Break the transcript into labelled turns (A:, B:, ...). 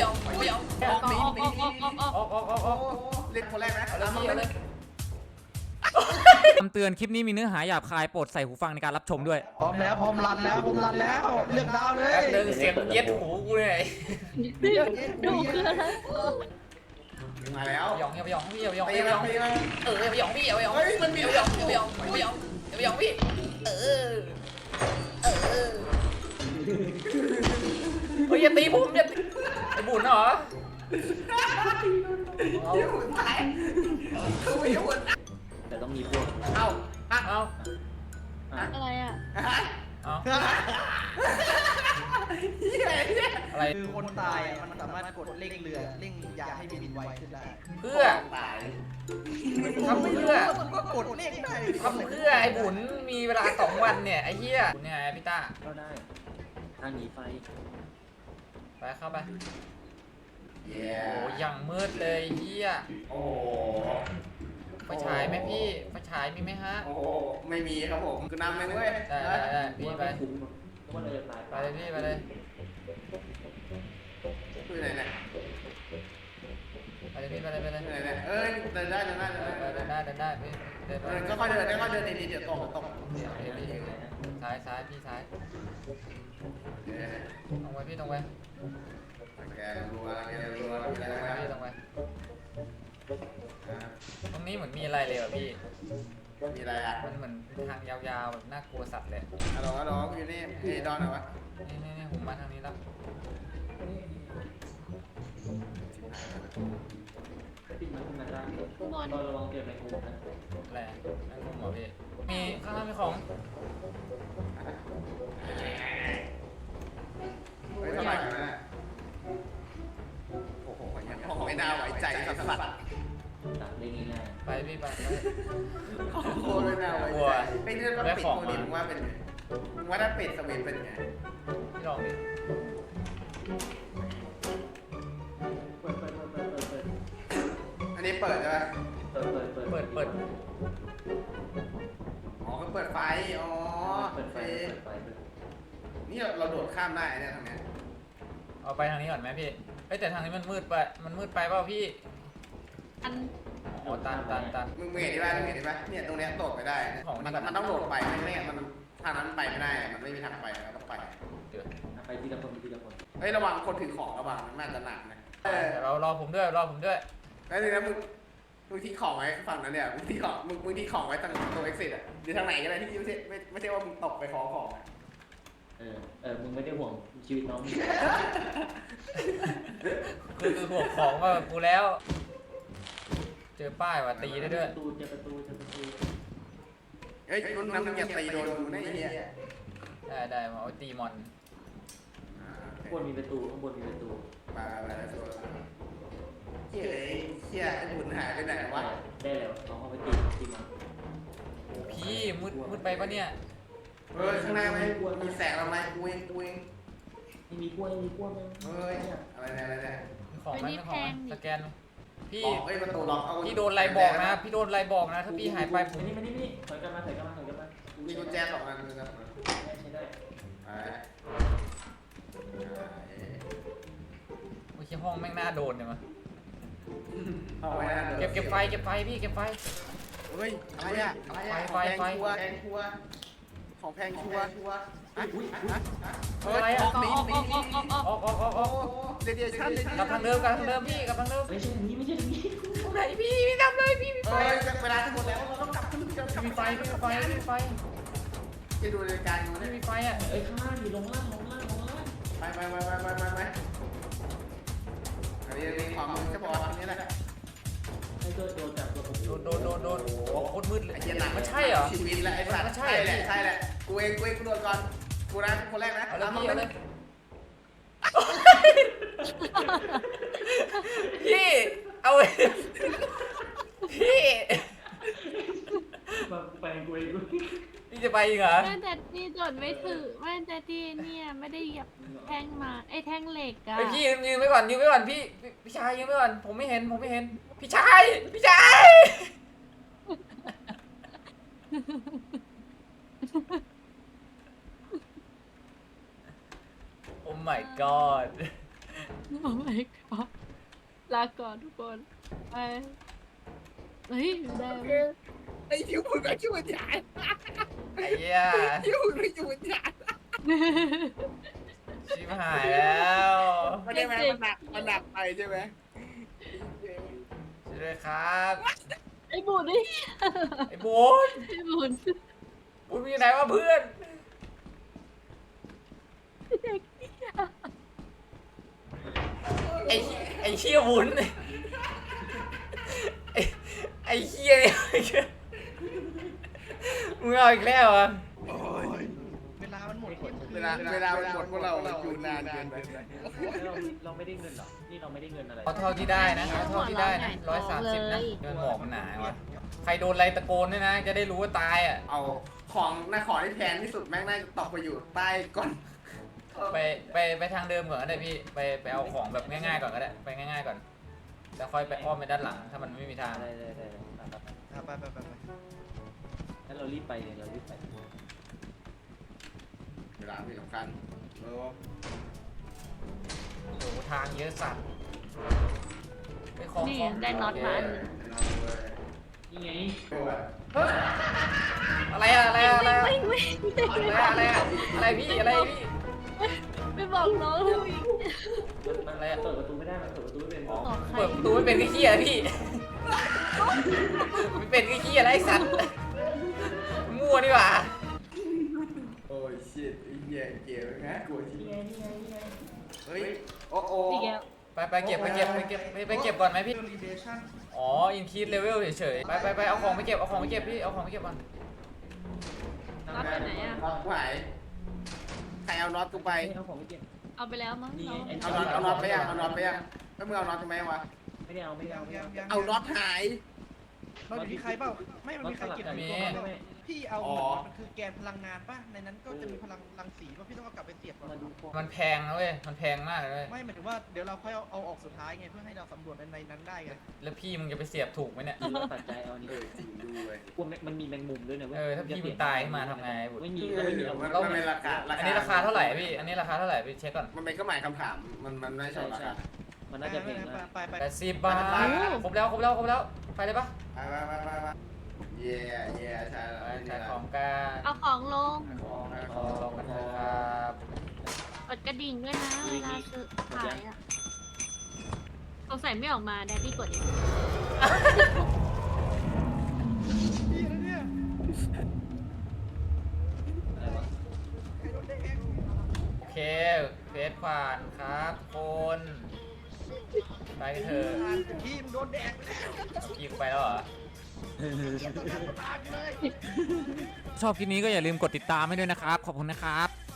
A: อมไม่ยอมออก
B: เล่นคนแรกนะ
A: เอาเลย
C: คำเตือนคลิปนี้มีเนื้อหาหยาบคายโปรดใส่หูฟังในการรับชมด้วย
D: พร้อมแล้วพร้อมรันแล้วเลือกดาวเลย
A: เดินเสียงเย็ดหูกูเลย
E: ดูคืออะไร
B: มาแล้ว
A: ยองพี่ยองพี่ยอง
B: ตีมาตีมา
A: พี่ยองพี่ยอง
B: เฮ้ยมันมี
A: พี่ยองพี่ยองพี่ยองพี่ยองพี่เฮ้ยอย่าตีผมอย่าไอ้บุญเหรอเอา
D: แต่ต้องมีพวก
A: เอาเอา
E: อะไรอ่ะ
A: เอาอะไร
D: คือคนตายมันสามารถกดเร่งเรือเร่งยาให้บินไวขึ้นได้
A: เพื่อทำเพื่อ
D: ก็กดเร่งได้
A: ทำเพื่อไอ้บุญมีเวลา2 วันเนี่ยไอ้เหี้ยเนี่ยพี่ต้า
D: ก็ได้ทางหนีไฟ
A: ไปเข้าไป
B: เย้
A: โอ้ยังมืดเลยเหี้ย
B: โอ้
A: ไฟฉายไหมพี่ไฟฉายมีไหมฮะ
B: โอ้ไม่มีครับผมคือนำเลยเว้ย
A: ได้พี่ไป
D: ว่าเลยตาย
A: ไปเลยพี่ไปเลย
B: คือไหนเนี่ย
A: ไปเลยพี่ไปเลยไปเลย
B: คือไหนเนี่ยเอ้ยเดินได้
A: พี่เดินไป
B: ก็ค่อยเดินค่อยเดินดีๆเดี๋ยวตก
A: ซ้ายพี่ซ้ายตรงไปพี่ตรงไป
B: แกรัวแกรัว
A: ตรงไปพี่ตรงไปตรงนี้เหมือนมีอะไรเลยอ่ะพี่
B: มีอะไรอ่ะ
A: มันเหมือนทางยาวๆแบบน่ากลัวสัตว์เลย
B: ฮัลโหลอยู่นี่ไอ้ดอนเหรอวะ
A: นี่ผมมาทางนี้แล้ว
D: ปิดมันขึ้นมาได้
E: ข้างบน
D: ก็ระวังเจอในกลุ่มนะ
A: อะไรนั่งคุมเหรอพี่มีข้างล่างมีของ
B: เฮ้ยเท่าไหร่กันนะโอ้โหยังมองไม่น่าไว้ใจสัส
D: ตัดได้ง่าย
A: ไปพี่ไป
B: โอ้โหไม่น่าไว้ใจไอ้เรื่องว่าปิดโควิดว่าเป็นว่าถ้าปิดสวิตเป็นไง
A: พี่ลองดิ
D: เปิด
B: อันนี้เปิดใช่ไหม
A: เปิด
B: อ๋อเปิดไฟอ๋อนี่เราโดดข้ามได้เนี่ยทางเนี้ย
A: เอาไปทางนี้ก่อนไหมพี่เฮ้ยแต่ทางนี้มันมืดไปเปล่าพี่
E: อัน
A: อ๋อตัน
B: มึงเห็นได้ป่ะเนี่ยตรงเนี้ยโดดไปได้มันต้องโดดไปไม่งั้นมันทางนั้นไปไม่ได้มันไม่มีทางไปเราต้องไป
A: เดี๋ยว
D: ไปทีละคนทีละคน
B: เฮ้ยระวังคนถือของระวังมันน่าจะหนักนะ
A: เรารอผมด้วย
B: แล้วทีนี้มึงทิ้งของไว้ฝั่งนั้นเนี่ยมึงทิ้งของไว้ตรงตัว exit อ่ะหรือทางไหนก็ได้ที่ไม่ใช่ว่ามึงตกไปขอของอ่ะ
D: มึงไม่ได้ห่วงชีวิตน้อง
A: คือห่วงของว่ากูแล้ว เจอป้ายว่ะตีได้ด้วย
D: เจอประตู
B: เฮ้ยรุ่นนั้นมึงอย่าตีโดนกูนะไอ้เหี้ย
A: ได้มาเอาตีมอน
D: ข้างบนมีประตูข้างบนมีประตู
B: มาแล้วตัวเฮ้ยเหี้ยไอ้บุญหายไปไหนวะ
D: ได้แล้วน้องเอาไปตีมัน
A: พี่มืดไปปะเนี่ย
B: เฮ้ยข้างหน้ามีแสงอะไรกูเอง
D: มีกล้วยมั้ย
B: เฮ้ยอะไรเนี่ย
A: มีของไหมสแกนพี่
B: เฮ้ยประตูล็อกเอา
A: พี่โดนอะไรบอกนะพี่โดนอะไรบอกนะถ้าพี่หายไปผม
D: นี่ถอยกันมา
B: มีกุญแจ2 อันนะครับ
D: ใช้ได้
A: โอ้ยห้องแม่งน่าโดนเนี่ยมั้ย
B: เอาไว้นะ
A: เก็บไฟพี่เก็บไฟ
B: เฮ้ยอะไรอ่ะแพงชัวของแพงชัว
A: อะไรอ่ะ
B: หนี
A: ออก
B: เดี๋ยวชั้น
A: กลับทางเดิมพี่กลับทางเดิม
D: ไม่ใช่นี้
A: ตรงไหนพี่ทำเลยพี่มีไฟ
B: เวลาจะหมดแล้วเราต้องกลับขึ้น
A: มีไฟ
B: จะดูรายการอยู่เนี่ย
A: มีไฟอ่ะ
D: ข้างล่างอยู่ลงล่าง
B: ไปอันนี้ความมึงจะบอกอันนี้แหละ
D: ให้ตัวจับตัวผม
A: โดนโอ้โคตรมืดเลย
B: ไอ้เหี้ยหนัก
A: มันใช่เหรอ
B: ชีวิตแล้วไอ้สัตว์ใช่แหละกูเองกูโดนก่อนกูนะคนแรกนะ
A: เอาเลยพี่เอาเลยพี่เอาเลยพี่
D: ไปกูเอง
A: พี่จะไปอีกเหรอ
E: แม่แต่ที่จดไม่ถือแม่แต่ที่เนี่ยไม่ได้เหยียบแท่งมาไอ้แท่งเหล็กอะ
A: ไปพี่ยืนไว้ก่อนพี่ชายยืนไว้ก่อนผมไม่เห็นพี่ชาย โอ้ my god
E: โอ้ my god ลาก่อนทุกคนไปเฮ้ยได้
B: ไอ้ที่มึงก็ช่วยยาย
A: ไอ้เหี้ย
B: ที่มึงก็ช่วยยาย
A: ชิบหายแล้ว
B: มันได้ไหมมันหนักไปใช่ไหม
A: ช่วยด้วยครับ
E: ไอ้บุญนี่
A: ไอ้บุญ
E: ไอ้บุญ
A: บุญมีไหนวะเพื่อนไอ้เชี่ยบุญไอ้เชี่ยเนี่ยมึงเอาอีกแล้วเหรอ่ะ
D: เวลามันหมด
B: เวลามันหมดพวกเราอยู่นานเกินไป
F: เราไม่ได้เงินหรอ นี่เราไม่ได้เงินอะไร
A: เอาเท่าที่ได้นะเอาเท่าที่ได้นะ130นะเงินหมอกมันหนาวะใครโดนอะไรตะโกนด้วยนะ จะได้รู้ว่าตายอ่ะ
B: เอาของที่แพงที่สุดแม่งน่าจะตกไปอยู่ใต้ก้น
A: ไปทางเดิมก่อนก็ได้พี่ไปเอาของแบบง่ายๆก่อนก็ได้ไปง่ายๆก่อนแล้วค่อยไปอ้อมไปด้านหลังถ้ามันไม่มีทาง
F: ได้
D: ไป
F: งั้นเรารีบไปเลยเรารีบไป
B: เวลาที่สำคัญ
A: โอ้โหทางเยอะสัตว์ไปของ
E: นี่
A: ของ
E: ได้น็อตมาอันหนึ่ง
F: นี่ไง
A: อะไรอะอะไรอะอะไรอะ
E: วิ่ง
A: อะไรพี่อะไรพี่
E: ไปบอกน้องเลยวิ่ง
F: มันอะไรเปิดประตูไม่ได้ มันเปิดประตูไม่เป็น
E: บอกใคร
A: เปิดประตูไม่เป็นก็เหี้ยพี่ไม่เป็นก็เหี้ยอะไรไอ้สัตว์มั่วนี่หว่า
B: โอ้ยชิตไอ้เหี้ยเกมนะกลัวที่เฮ้ยโอ้
E: อีกแล้ว
A: ไปเก็บก่อนไหมพี่อ๋ออินคีดเลเวลเฉยๆไปเอาของไปเก็บพี่เอาของไปเก็บก่อน
E: น็อตไปไหนอ่ะ
B: น็อตไหวใครเอาน็อตกูไป
F: เอาของไม่เก็บ
E: เอาไปแล้วมั้งน้อง
B: เอาน็อตไปยังแล้วมึงเอาน็อตทำไมวะ
F: ไม่ได้เอาไม่ได้เอาไม่ได้
B: เอาน็อตหาย
D: เราอยู่ที่ใครเปล่าไม่มันมีใครเก็บอยู่ตรงนั้นพี่เอามันคือแกนพลังงานป่ะในนั้นก็จะมีพลังรังสีป่ะพี่ต้องเอากลับไปเสียบก่อน
F: มาดูของ
A: มันแพงนะเว้ยมันแพงมากเลย
D: ไม่หมายถึงว่าเดี๋ยวเราค่อยเอาออกสุดท้ายไงเพื่อให้เราสำรวจในนั้นได้ไง
A: แล้วพี่มึงจะไปเสียบถูกไหมเนี่ย
F: ดูแล้วตัดใจเอาอันนี้
B: จริงดูเลย
F: กลัวมันมีแมงมุมด้วยนะเว้ย
A: ถ้าพี่มึงตายขึ้นมาทำไงบุตร
F: ไม่มีไม่มีเอา
B: มันเป็นราคา
A: อันนี้ราคาเท่าไหร่พี่อันนี้ราคาเท่าไหร่พี่เช็คก่อน
B: มันเป็นก็หมายคำถามมันไม่ใช่ราคา
F: มันน่าจะแพงนะ
D: ไป
A: 80 บาทครบแล้วไปเลยปะ
B: ไปเย่ใช่
A: ไปขายของกัน
E: เอาของลง
A: ลงกันเถอะครับ
E: กดกระดิ่งด้วยนะเวลาซื้อขายอ่ะสงสัยไม่ออกมาแดดดี้กดเอง
D: พี่นะเนี่ย
F: อะไรวะ
D: ใครโดนแดง
A: โอเคเฟสผ่านครับทุกคนไปกันเถอะ
D: พี่มันโดนแดงแล้ว
A: เอาพี่กูไปแล้วเหรอ
D: ตายเลย
C: ชอบคลิปนี้ก็อย่าลืมกดติดตามให้ด้วยนะครับ ขอบคุณนะครับ